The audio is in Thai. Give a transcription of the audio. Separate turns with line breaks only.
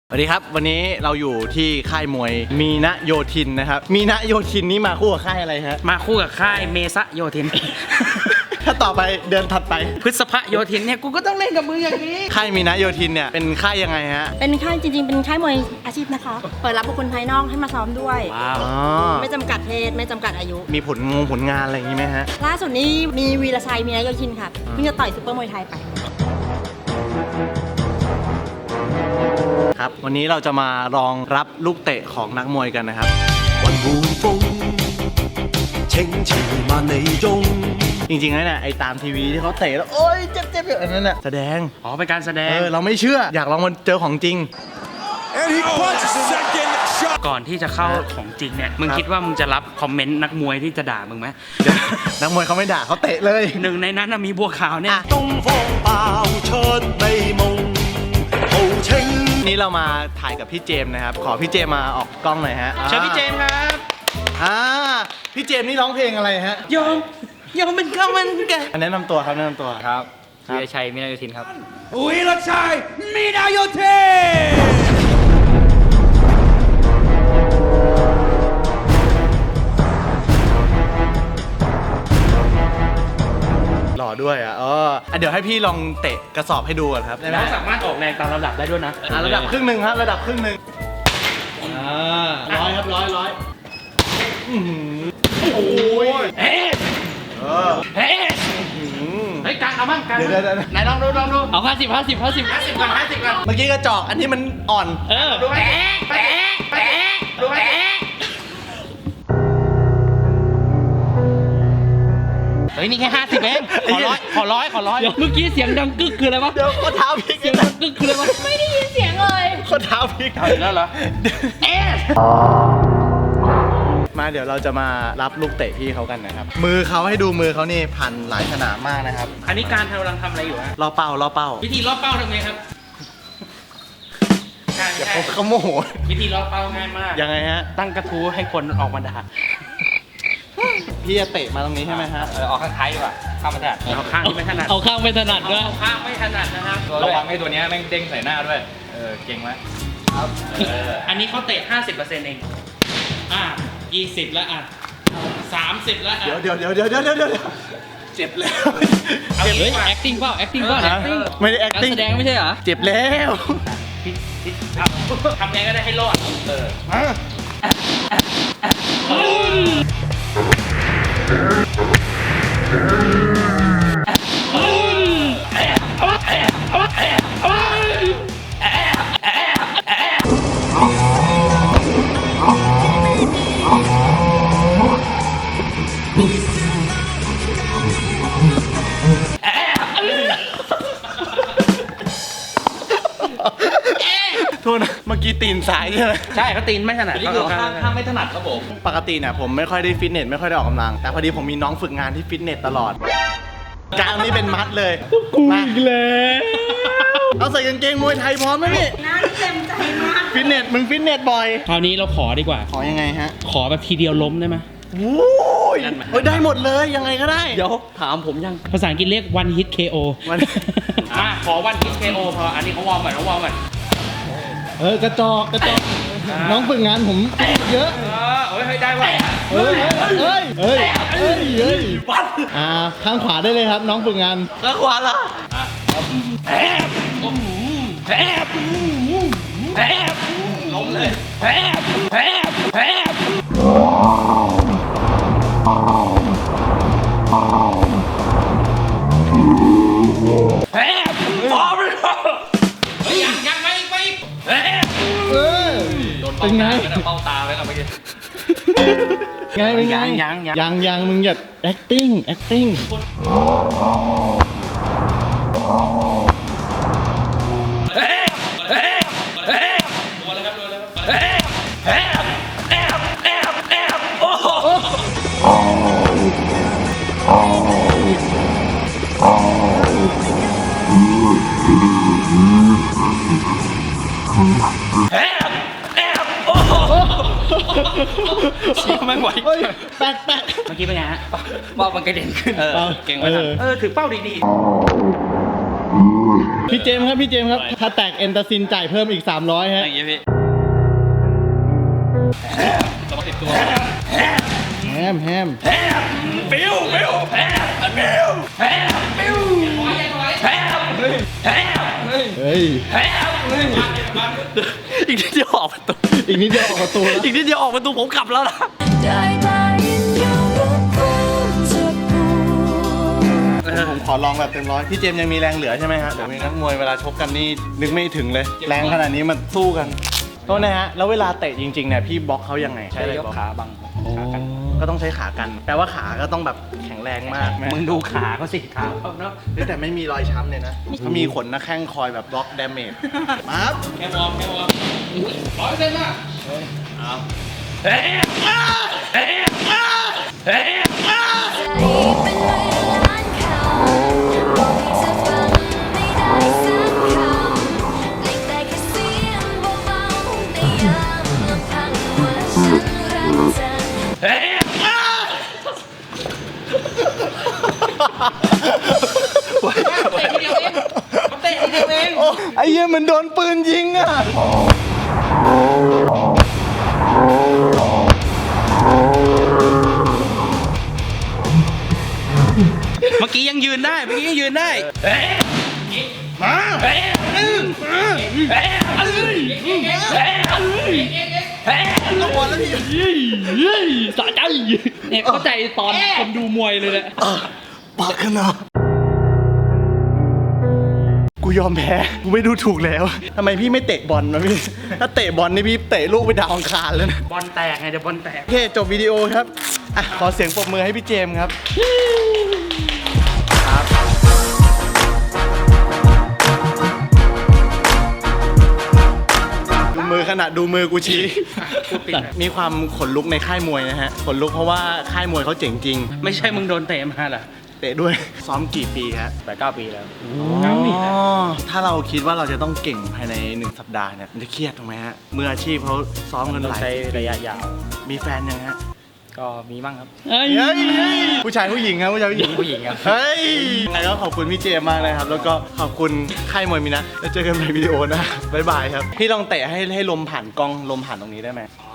สวัสดีครับวันนี้เราอยู่ที่ค่ายมวยมีนะโยธินนะครับมีนะโยธินนี่มาคู่กับค่ายอะไรฮะ
มาคู่กับค่ายเมซะโยธิน
ถ้าต่อไปเดือนถัดไป
พฤษภะโยธินเนี่ยกูก็ต้องเล่นกับมึงอย่างนี้
ค่ายมีนะโยธินเนี่ยเป็นค่ายยังไงฮะ
เป็นค่ายจริงๆเป็นค่ายมวยอาชีพนะคะเปิดรับบุคคลภายนอกให้มาซ้อมด้วย
ว้าว
ไม่จำกัดเพศไม่จำกัดอายุ
มีผลงานอะไรอย่างนี้ไหมฮะ
ล่าสุดนี้มีวีรชัยมีนายโยธินค่ะเพิ่งจะต่อยซุปเปอร์มวยไทยไป
ครับวันนี้เราจะมาลองรับลูกเตะของนักมวยกันนะครับจริงๆแล้วเนี่ยไอ้ตามทีวีที่เขาเตะแล้วโอ๊ยเจ็บๆอย่างนั้นน่ะแสดง
อ๋อเป็นการแสดง
เราไม่เชื่ออยากลองมันเจอของจริง
ก่อนที่จะเข้าของจริงเนี่ยมึงคิดว่ามึงจะรับคอมเมนต์นักมวยที่จะด่ามึงไหม
นักมวยเขาไม่ด่าเขาเตะเลย
หนึ่งในนั้นมีบัวขาวเนี่ย
นี่เรามาถ่ายกับพี่เจมส์นะครับขอพี่เจมส์มาออกกล้องหน่อยฮะ
เชิญพี่เจมส์ครับ
พี่เจมส์นี่ร้องเพลงอะไรฮะ
ยอมเป็นข้าวมันไก่
แนะนำตัวครับแนะนำตัว
ครับวีรชัยมีนาโยธินครับ
วีรชัยมีนาโยธิ
นหล่อด้วยอ่ะเดี๋ยวให้พี่ลองเตะกระสอบให้ดูก่อนครับ
น้องสามารถออกแรงตามระดับได้ด้วยนะ
ระดับครึ่งหนึ่งครับระดับครึ่งหนึ่งร้อยครับร้อยโอ้ย
เฮ้ยการเอามั่งการ
เดี๋ยว
ไหนลองดู
เอา50ก่อน
50ก่อน
เมื่อกี้กระจอกอันนี้มันอ่อน
ดูแเฮ้ยนี่แค่50เองขอร้อย
เมื่อกี้เสียงดังกึกคืออะไรวะ
เดี๋ยวข้อเท้าพลิก
เสียงดังกึกคืออะไรวะ
ไม่ได้ยินเสียงเลย
ข้อเท้าพลิก
แล้วเหรอ
มาเดี๋ยวเราจะมารับลูกเตะพี่เขากันนะครับมือเขาให้ดูมือเขานี่พันหลายขนาดมากนะครับ
อันนี้การกำลังทำอะไรอยู่ฮะ
ล่อเป้า
วิธีล่อเป้าทำไงครับ
เดี๋ยวเขาโมโห
วิธีล่อเป้าง่ายมาก
ยังไงฮะ
ตั้งกระทู้ให้คนออกมาด่า
พี่จะเตะมาตรงนี้ใช่ไหมฮะ
ออกข้างท้ายดีกว่าข้างไม่ถนัด
เอาข้างที่ไม่ถนัด
เอาข้างไม่ถนัดด้วย
เอาข้างไม่ถนัดนะครับ
ระวังไอ้ตัวนี้แม่งเด้งใส่หน้าด้วยเก่งไหมครับ
อันนี้เขาเตะ 50% เอง20แล้ว30แล้ว
เดี๋ยวเจ็บแล้ว
เฮ้ย acting เปล่า
ไม่ได้ acting
แสดงไม่ใช่เหรอ
เจ็บแล้ว
ทำไงก็ได้ให้รอด
โทษนะเมื่อกี้ตีนซ้ายใช่ไหม
ใช่เขาตีนไม่ถนัด
นี่คือข้างไม่ถนัดครับผม
ปกติเนี่ยผมไม่ค่อยได้ฟิตเนสไม่ค่อยได้ออกกำลังแต่พอดีผมมีน้องฝึกงานที่ฟิตเนสตลอดกล้ามนี่เป็นมัดเลย
มาอีกแล้ว
เอาใส่กางเกงมวยไทยพร้อมไหมพี่
น่าเต็มใจมาก
ฟิตเนสมึงฟิตเนสบ่อย
คราวนี้เราขอดีกว่า
ขอยังไงฮะ
ขอแบบทีเดียวล้มได้ไหม
โอ้ยได้หมดเลยยังไงก็ได้
เดี๋ยวถามผมยัง
ภาษาอังกฤษเรียก one hit KO ขอ one hit KO พออันนี้เขาวอร์มก่อน
กระจอกน้องฝึกงานผมเยอะ
เฮ้ยได้ว่ะ
เฮ้ยข้างขวาได้เลยครับน้องฝึกงาน
ข้างขวาล่ะล้มเลยยังไป
เป็นไง
เป้าตาไว้แล้วเมื่อกี้
ยังมึงอย่า acting
เชี่ยไม่ไหว
แปะ
เมื่อกี้เป็นไงฮะ
เป้ามันกระเด็นขึ้น
เก่งมากถือเป้าดีๆ
พี่เจมส์ครับพี่เจมส์ครับถ้าแตกเอนตาซินจ่ายเพิ่มอีก300ฮะ
อย่างเงี้ยพี่ต้องติดตัว
แฮม
ปิว
เฮ้ย
อีกนิดเดียวออกประตู
อีกนิดเดียวออกประตูแล้ว
อีกนิดเดียวออกประตูผมกลับแล้วนะ
ผมขอลองแบบเต็มร้อยพี่เจมส์ยังมีแรงเหลือใช่ไหมฮะเดี๋ยวมีนักมวยเวลาชกกันนี่นึกไม่ถึงเลย แรงขนาดนี้มันสู้กันโทษนะฮะแล้วเวลาเตะจริงๆเนี่ยพี่บล็อกเขายังไง
ใช้ยกขาบังขากัน
ก็ต้องใช้ขากัน แปลว่าขาก็ต้องแบบแข็งแรงมาก
มึงดูขาเขาสิขาเขาเนาะ
แต่ไม่มีรอยช้ำเลยนะเขามีขนหน้าแข้งคอยแบบบล็อกดาเมจมาครับ
แค่วอร์ม100%นะ เตะทีเดียวเอง
โอ้ไอ้เหี้ยเหมือนโดนปืนยิงอ่ะ
เมื่อกี้ยังยืนได้ มา
ต้องบอลแล้วพี่
สะใจเนี่ยเข้าใจตอนคนดูมวยเลยแหละ
ปากกันนะกูยอมแพ้กูไม่ดูถูกแล้วทำไมพี่ไม่เตะบอลวะพี่ถ้าเตะบอลนี่พี่เตะลูกไปดาวอังคารแล้วนะ
บอลแตกไงเดี๋ยวบอลแตก
โอเคจบวิดีโอครับอ่ะขอเสียงปรบมือให้พี่เจมส์ครับดูมือขนาดดูมือกูชี้ มีความขนลุกในค่ายมวยนะฮะขนลุกเพราะว่าค่ายมวยเขาเจ๋งจริง
ไม่ใช่มึงโดนเตะมาเหรอ
เตะด้วยซ้อมกี่ปีครับ
8-9 ปีแล้ว
ถ้าเราคิดว่าเราจะต้องเก่งภายใน1 สัปดาห์เนี่ยมันจะเครียดถูกไหมฮะมืออาชีพเขาซ้อมกัน
ต้อง
หลาย
ใช้ระยะยาว
มีแฟนยังฮะ
ก็มีบ้างครับ
เฮ้ย
เฮ้ยผู้ชายผู้หญิงครับผู้ชายผู้หญิง
ผู้หญิงครับ
เฮ้ยยังไงก็ขอบคุณพี่เจมส์มากเลยครับ แล้วก็ขอบคุณค่ายมวยมินะแล้วเจอกันในวิดีโอนะบ๊ายบายครับพี่ลองเตะให้ลมผ่านกล้องลมผ่านตรงนี้ได้ไหม
อ๋อ